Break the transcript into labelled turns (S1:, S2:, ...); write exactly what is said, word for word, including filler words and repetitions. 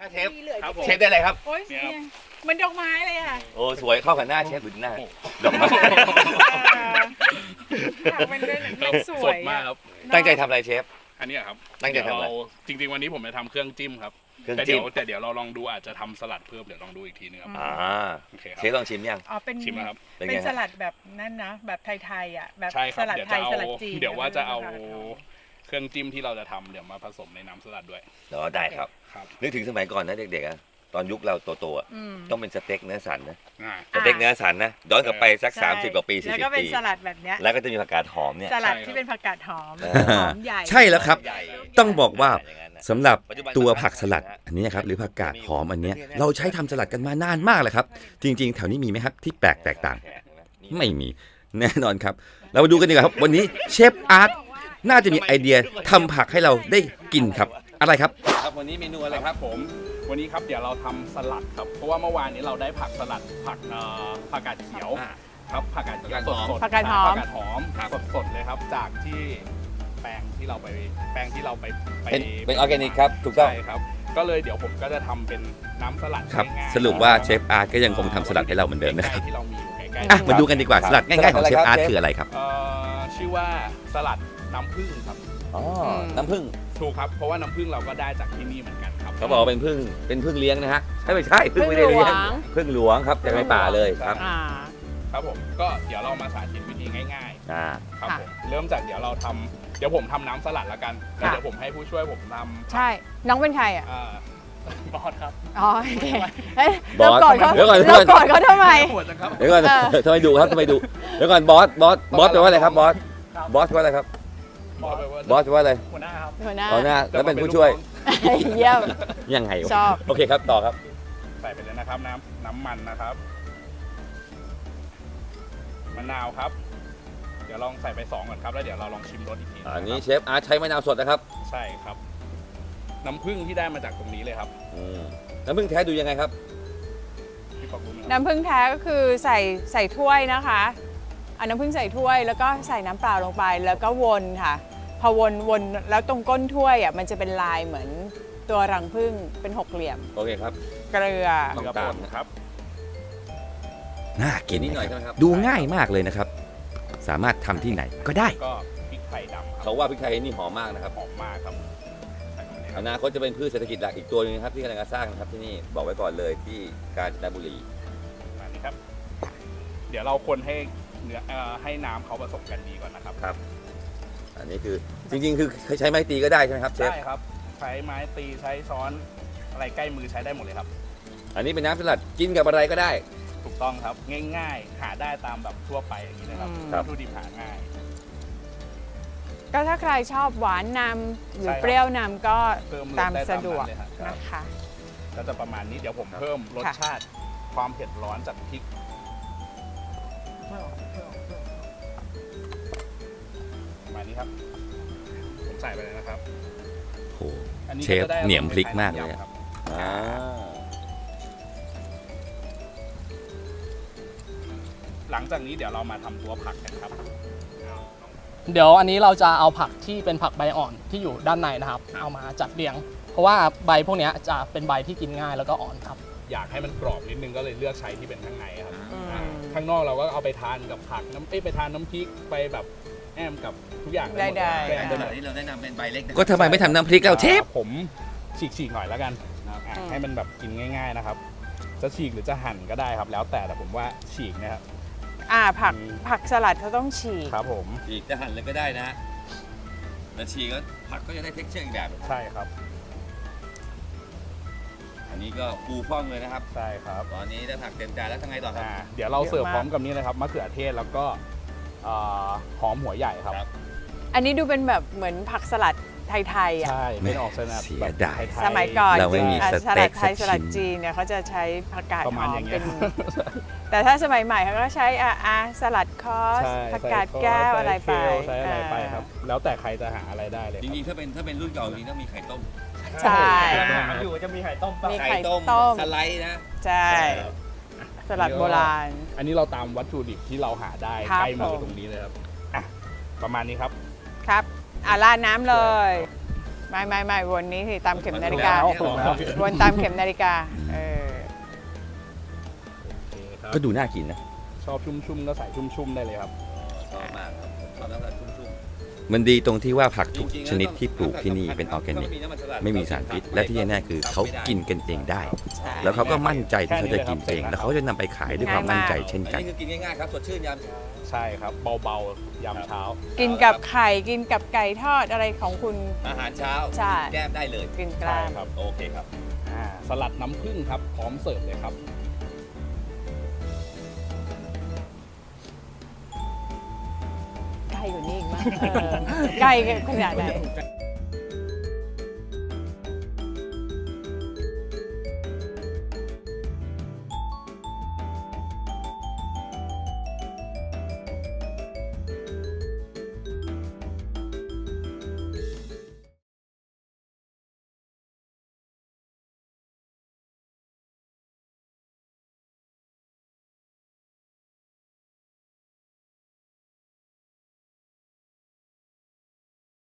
S1: เชฟเชฟได้อะไรครับ
S2: โอ้ยมันดอกไม้เลยอ่ะ
S1: โอ้สวยเข้ากับหน้าเชฟหรือหน้าดอกไม้
S2: อยากเป็นเรื่องสวย
S3: สดมากครับ
S1: ตั้งใจทำอะไรเชฟ
S3: อันนี้ครับ
S1: ตั้งใจทำอะไร
S3: จริงๆวันนี้ผมจะทำเครื่องจิ้มครับ
S1: เครื่อง
S3: แต่
S1: จิ้
S3: เดี๋
S1: ม
S3: ยวแต่เดี๋ยวเราลองดูอาจจะทำสลัดเพิ่มเดี๋ยวลองดูอีกทีนึงครับ
S1: อ่า
S3: โอเคค
S1: เช
S3: รับ
S1: ฟลองชิมยัง
S2: อ๋อเป็น
S3: ชิมนะครับ
S1: เป็น
S2: เป็
S1: ไง
S2: นสลัดแบบนั่นนะแบบไทยๆอ่ะแบบ
S3: ใช่ค
S2: ส
S3: รับ
S2: ลัด
S3: เดี๋ยว
S2: ไท
S3: จะ
S2: ย
S3: เอา
S2: สลัดจีน
S3: เดี๋ยวว่าจะเอาเครื่องจิ้มที่เราจะทำเดี๋ยวมาผสมในน้ำสลัดด้วย
S1: เดี๋ยวได้ครับ
S3: ครับ
S1: นึกถึงสมัยก่อนนะเด็กๆอะตอนยุคเราโตๆอะต้องเป็นสเต็กเนื้อสันนะ
S3: อ่า
S1: สเต็กเนื้อสันนะย้อนกลับไปสัก
S2: ใช่
S1: สามสิบกว่าปีสี่
S2: แล้ว
S1: สิ
S2: ก็
S1: บ
S2: เป็น
S1: ปี
S2: สลัดแบบเนี้ย
S1: แล้วก็จะมีผักกาดหอมเนี่ย
S2: สลัด
S3: ใช่ครับ
S2: ที่เป็นผักกาดหอม
S1: อ่า
S2: หอมใหญ่
S4: ใช่แล้วครับ
S1: ใหญ่
S4: ต้องบอกว่าสำหรับ
S1: ปัจจุบัน
S4: ตัวผักสลัดอันนี้นะครับหรือผักกาดหอมอันเนี้ยเราใช้ทำสลัดกันมานานมากเลยครับ จริง ๆ แถวนี้มีไหมครับที่แปลกแตกต่าง ไม่มีแน่นอนครับ เรามาดูกันดีกว่าครับ วันนี้เชฟอาร์ตน่าจะมีไอเดียทำผักให้เราได้กินครับ อะไรครับ
S1: ครับวันนี้เมนูอะไร
S3: อะไร
S1: ค
S3: ครับ รับผมวันนี้ครับเดี๋ยวเราทำสลัดครับเพราะว่าเมื่อวานนี้เราได้ผักสลัดผักเอ่อผักกาดเขียว
S1: อ่า
S3: ครับผักกาดเขียวสดสด
S2: ผักกาดหอม
S3: ผักกาดหอมสดสดเลยครับจากที่แปลงที่เราไปแปลงที่เราไปไป
S1: เป็นเป็นออร์แกนิกครับถูกต้อง
S3: ใช่ครับก็เลยเดี๋ยวผมก็จะทำเป็นน้ำสลัด
S4: ครับ
S3: ง่ายๆ
S4: สรุปว่าเชฟอาร์ตก็ยังคงทำสลัดให้เราเหมือนเดิมนะครับ
S3: ใกล้ๆที่เรามีอยู่ใกล้ๆ
S4: อ่ะมาดูกันดีกว่าสลัดง่ายๆของเชฟอาร์ตคืออะไรครับ
S3: เอ่อชื่อว่าสลัดน้ำผึ้งครับ
S1: อ๋อน้ำผึ้ง
S3: ถูกครับเพราะว่าน้ำผึ้งเราก็ได้จากที่นี่เหมือนกันครับ
S1: เขาบอกว่าเป็นผึ้งเป็นผึ้งเลี้ยงนะฮะไม่ใช่ผึ้งไม่ได้เลี้ยงผึ้งหลวงครับจากในป่าเลยครับ
S2: อ่า
S3: ครับผมก็เดี๋ยวเรามาสาธิตวิธีง่าย
S1: อ่า
S3: ๆครับ
S2: ค่ะ
S3: ผมเริ่มจากเดี๋ยวเราทำเดี๋ยวผมทำน้ำสลัดละกันแล้วเดี๋ยวผมให้ผู้ช่วยผมทำ
S2: ใช่น้องเป็นใครอ่ะ
S3: อ่าบอสครับ
S2: อ๋อโอเคเฮ้ย
S1: บอส
S2: เรากอดเขา
S1: เดี๋ยวก่อน
S2: เรากอดเขาทำไม
S3: ปวดนะครับ
S1: เดี๋ยวก่อน
S2: เออ
S1: ทำไมดุครับทำไมดุเดี๋ยวก่อนบอสบอสบอสแปลว่าอะไรครับบอสบอสแปลว่าอะไรครับ
S3: บอสไปว่า
S1: บอสแปลว่าอะไร
S3: หัวหน้าครับ
S2: หัวหน้า
S1: ตอนหน้าแล้วเป็นผู้ช่วย
S2: เยี่ยม
S1: ยังไงวะ
S2: ชอบ
S1: โอเคครับต่อครับ
S3: ใส่ไปเลยนะครับน้ำน้ำมันนะครับมะนาวครับ เดี๋ยวลองใส่ไปสองก่อนครับแล้วเดี๋ยวเราลองชิมรสอีกทีะครับ
S1: อันนี้เชฟอาร์ตใช้มะนาวสดนะครับ
S3: ใช่ครับ น้ำผึ้งที่ได้มาจากตรงนี้เลยครับ
S1: อืมน้ำผึ้งแท้ดูยังไงครับ
S3: พี่ปอกรู้ไหมครับ
S2: น้ำผึ้งแท้ก็คือใส่ใส่ถ้วยนะคะเอาน้ำผึ้งใส่ถ้วย แล้วก็ใส่น้ำเปล่าลงไปแล้วก็วนค่ะ พอวนวนแล้วตรงก้นถ้วยอ่ะมันจะเป็นลายเหมือนตัวรังผึ้งเป็นหกเหลี่ยม
S1: โอเคครับ
S2: เกลือ
S1: ต้
S3: เก
S1: อง
S3: ลือ
S1: ตาม
S3: ป่นครับ
S4: น่ากิน
S1: นิดหน่อย
S4: นะ
S1: ใช่ไหม
S4: ค
S1: ครั
S4: รับบ ดูง่ายมากเลยนะครับ สามารถทำที่ไหนก็ได้
S3: ก็พริกไทยดำครั
S1: เขาว่าพริกไทยนี่หอมมากนะครับ
S3: หอมมากครับใส่ลงไปเลยค
S1: อ
S3: รับ
S1: นาคตจะเป็นพืชเศรษฐกิจหลักอีกตัวหนึงนะครับที่กำลังจะสร้างนะครับที่นี่บอกไว้ก่อนเลยที่กาญจนบุรี
S3: ประมาณนี้ครับ เดี๋ยวเราคนให้เนื้อเอ่อให้น้ำเขาผสมกันดีก่อนนะครับ
S1: ครับ อันนี้คือจริงๆ คือใช้ไม้ตีก็ได้ใช่ไหมครับเชฟ
S3: ได้ครับ ใช้ไม้ตีใช้ช้อนอะไรใกล้มือใช้ได้หมดเลยครับ
S1: อันนี้เป็นน้ำสลัดกินกับอะไรก็ได้
S3: ถูกต้องครับ ง่ายๆ หาได้ตามแบบทั่วไปอย่างนี้นะครับ
S2: อืม
S1: ครับ
S3: วัตถุดิบหาง่าย
S2: ก็ถ้าใครชอบหวานนำหรือ
S3: ใช่ครับ
S2: เปรี้ยวนำก็
S3: เพิ่มรส
S2: ตาม
S3: ได้
S2: สะดวก
S3: ตามนั้นเลยครับ
S2: นะคะ
S3: ก็จะประมาณนี้เดี๋ยวผมเพิ่มรส
S2: ค่ะ
S3: ชาติความเผ็ดร้อนจากพริกประมาณนี้ครับ ผมใส่ไปเลยนะครับ
S4: โห
S3: อันนี้
S4: เชฟ
S3: ก็จะได้
S4: เหนียมพริกมากเลยอะ
S3: ครับ
S1: อ่า
S3: หลังจากนี้เดี๋ยวเรามาทำตัวผักกันครับ
S5: เดี๋ยวอันนี้เราจะเอาผักที่เป็นผักใบอ่อนที่อยู่ด้านในนะครับ เอามาจัดเรียง เพราะว่าใบพวกเนี้ยจะเป็นใบที่กินง่ายแล้วก็อ่อนครับ
S3: อยากให้มันกรอบนิดนึงก็เลยเลือกใช้ที่เป็นข้างในครับ
S2: อืม
S3: อ่าข้างนอกเราก็เอาไปทานกับผักน้ำเอ้ยไปทานน้ำพริกไปแบบแอมกับทุกอย่างได้หมด
S2: ได้
S3: เลย
S2: ๆ
S3: แกงจะแบบ
S1: ที่เราแนะนำเป็นใบเล็ก
S4: ก็ทำไมไม่ทำน้ำพริกเราเชฟ
S3: อ่าผมฉีกๆหน่อยแล้วกันนะครับอ่ะ
S2: อืม
S3: ให้มันแบบกินง่าย ๆนะครับ จะฉีกหรือจะหั่นก็ได้ครับ แล้วแต่แต่ผมว่าฉีกนะครับ
S2: อ่าผัก
S3: อืม
S2: ผักสลัดเขาต้องฉีก
S3: ครับผม
S1: ฉีกจะหั่นเลยก็ได้นะฮะแล้วฉีกก็ผักก็จะได้เท็กเจอร์อีกแบบ
S3: ใช่ครับ
S1: อันนี้ก็ฟูฟ่องเลยนะครับ
S3: ใช่ครับ
S1: ตอนนี้ได้ผักเต็มจานแล้วทำไงต่อครับ
S3: อ่าเดี๋ยวเราเสิร์ฟ
S2: เยอะมาก
S3: พร้อมกับนี้เลยครับมะเขือเทศแล้วก็อ่าหอมหัวใหญ่ครับ
S1: ครับ
S2: อันนี้ดูเป็นแบบเหมือนผักสลัดไทยๆอ่ะ
S3: ใช่เป็นออกสนับ
S4: เสีย
S3: แบบ
S4: ดาย
S3: ไทๆ
S2: สมัยก่อน
S4: เราไม่มี
S2: อ่ะ
S4: ส
S2: ส
S4: เต็
S2: ลั
S4: ก
S2: ดไทย
S4: สั
S2: ส
S4: ก
S2: ลัด
S4: ชิ้น
S2: จีนเนี่ยเขาจะใช้ผักกาด
S3: ประ
S2: ห
S3: มาณ
S2: อม
S3: อย่างเงี้
S2: เป็
S3: ย
S2: น แต่ถ้าสมัยใหม่เขาก็ใช้อ่ะอ่ะสลัดคอส
S3: ใช่
S2: ผักกาดแก้วอะไรไป
S3: ใช้อะไรไปครับ แล้วแต่ใครจะหาอะไรได้เลย
S1: จ
S3: ครับ
S1: ริงๆถ้าเป็นถ้าเป็นรุ่นเก่าจริงๆต้องมีไข่ต้ม
S2: ใช่
S6: อยู่จะมีไข่ต้มป่ะ
S2: มีไข่ต้ม
S1: สไลด์นะ
S2: ใช่ สลัดโบราณ
S3: อันนี้เราตามวัตถุดิบที่เราหาได้
S2: ครับ
S3: ใกล้มือ
S2: ผม
S3: ตรงนี้เลยครับอ่ะประมาณนี้ครับ
S2: ครับอ่ะราดน้ำเลยไม่ไม่ไม่วนนี้สิตามเข็มนาฬิกา
S5: ถูกแล้ว
S2: วนตามเข็มนาฬิกาเออ
S4: ก็ดูน่ากินนะ
S3: ชอบชุ่มๆก็ใส่ชุ่มๆได้เลยครับ
S1: ชอบมากครับชอบน้ำสลัดชุ่ม
S4: มันดีตรงที่ว่าผักทุก
S1: จริงๆ
S4: ชนิดที่ปลูกที่นี่เป็นออร์แกนิก ไม่มีสารพิษ และที่แน่ๆคือเขากินกันเองได้
S2: ใช่
S4: แล้วเขาก็มั่นใจที่เขาจะกินเอง แล้วเขาจะนำไปขายด้วยความมั่นใจเช่น
S1: อัน
S4: กัน
S1: นี้คือกินง่ายๆครับสดชื่นยามเช้า
S3: ใช่ครับ เบาๆยามเช้า
S2: กินกับไข่กินกับไก่ทอดอะไรของคุณ
S1: อาหารเช้า
S2: ใช่
S1: แก้มได้เลย
S2: กินก
S3: ใช่
S2: ล้าม
S3: ครับ
S1: โอเคครับ
S3: อ่าสลัดน้ำผึ้งครับ พร้อมเสิร์ฟเลยครับ
S2: ไก่กว่านี้อีกมั้งเออไก่ขนาดไหน